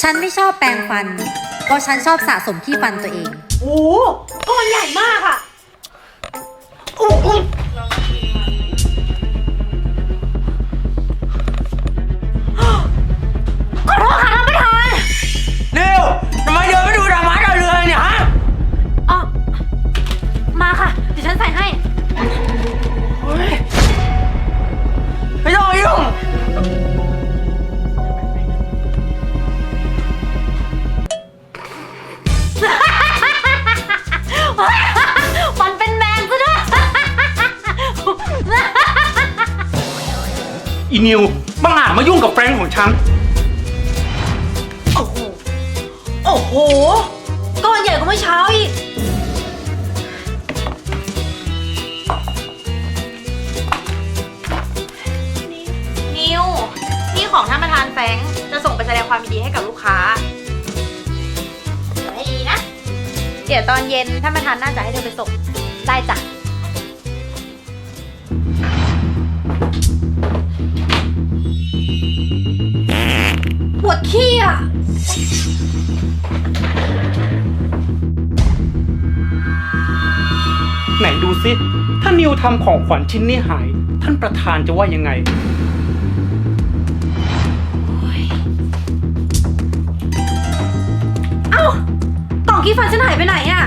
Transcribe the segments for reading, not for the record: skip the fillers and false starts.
ฉันไม่ชอบแปรงฟัน เพราะฉันชอบสะสมขี้ฟันตัวเองโอ้ก้อนใหญ่มากอะขอโทษค่ะท่านประธานเร็วทำไมเดินไม่ดูดามาดาวเรืองเนี่ยฮะอ๋อมาค่ะ เดี๋ยวฉันใส่ให้ไม่ต้องยุ่งมันเป็นแมงซะด้วยอีนิวบังอาจมายุ่งกับแฟรงค์ของฉันโอ้โห โอ้โห ก้อนใหญ่กว่าเมื่อเช้าอีกนิวนี่ของท่านประธานแฟรงค์จะส่งไปแสดงความยินดีให้กับลูกค้าให้ดีนะ เดี๋ยวตอนเย็นท่านประธานน่าจะให้เธอไปส่งได้จ้ะปวดขี้อ่ะไหนดูซิถ้านิวทำของขวัญชิ้นนี้หาย ท่านประธานจะว่ายังไงเอ้ากล่องขี้ฟันฉันหายไปไหนอ่ะ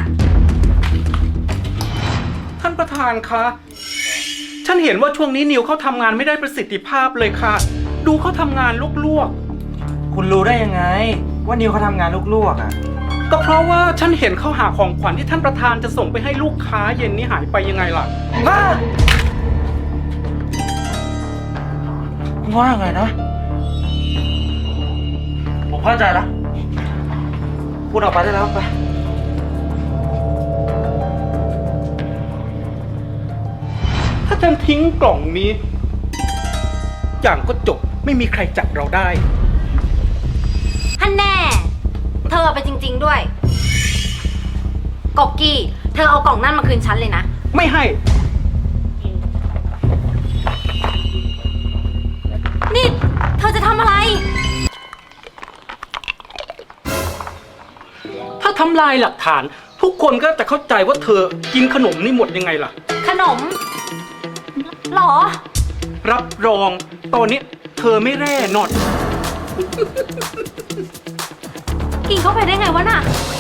ท่านประธานคะ ฉันเห็นว่าช่วงนี้นิวเขาทำงานไม่ได้ประสิทธิภาพเลยค่ะ ดูเขาทำงานลวกคุณรู้ได้ยังไง ว่านิวเขาทำงานลวกๆอ่ะๆก็เพราะว่าฉันเห็นเขาหาของขวัญที่ท่านประธานจะส่งไปให้ลูกค้าเย็นนี้หายไปยังไงล่ะว่าไงนะ ผมเข้าใจแล้วพูดออกไปได้แล้วไปถ้าฉันทิ้งกล่องนี้ อย่างก็จบไม่มีใครจับเราได้ฮันแน่ เธอเอาไปจริง ๆด้วย กบกี้ เธอเอากล่องนั่นมาคืนฉันเลยนะไม่ให้นี่ เธอจะทำอะไรถ้าทำลายหลักฐาน ทุกคนก็จะเข้าใจว่าเธอกินขนมนี่หมดยังไงล่ะขนมหรอรับรองตอนนี้เธอไม่แร่นอนกินเข้าไปได้ไงวะน่ะ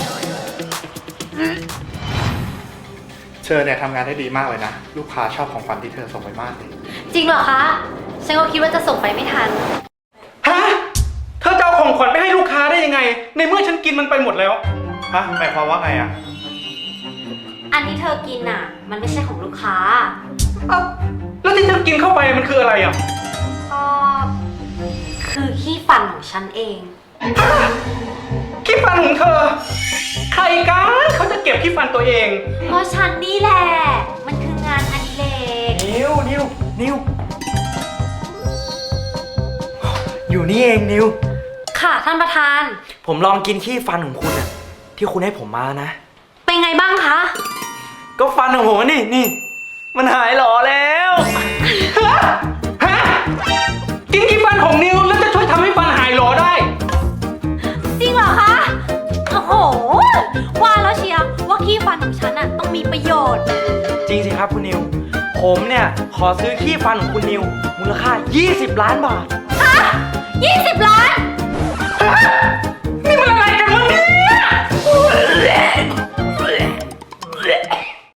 เชอเนี่ยทำงานได้ดีมากเลยนะ ลูกค้าชอบของขวัญที่เธอส่งไปมากเลยจริงเหรอคะ ฉันก็คิดว่าจะส่งไปไม่ทันฮะ เธอจะเอาของขวัญไปให้ลูกค้าได้ยังไง ในเมื่อฉันกินมันไปหมดแล้วฮะหมายความว่าไงอ่ะอันที่เธอกินน่ะ มันไม่ใช่ของลูกค้าเอ้าแล้วที่เธอกินเข้าไปมันคืออะไรอ่ะก็คือขี้ฟันของฉันเองขี้ฟันของเธอ ใครกันเขาจะเก็บขี้ฟันตัวเองเพราะฉันนี่แหละ มันคืองานอดิเรกนิวอยู่นี่เองนิวค่ะท่านประธานผมลองกินขี้ฟันของคุณอะที่คุณให้ผมมานะเป็นไงบ้างคะก็ฟันของผมนี่มันหายหล่อแล้วฮะ กินขี้ฟันของนิวแล้วจะช่วยทำให้ฟันหายหลอได้จริงเหรอคะ โอ้โห ว่าแล้วเชียวว่าขี้ฟันของฉันน่ะต้องมีประโยชน์จริงสิครับคุณนิว ผมเนี่ยขอซื้อขี้ฟันของคุณนิว มูลค่า 20 ล้านบาทฮะ20 ล้านฮะ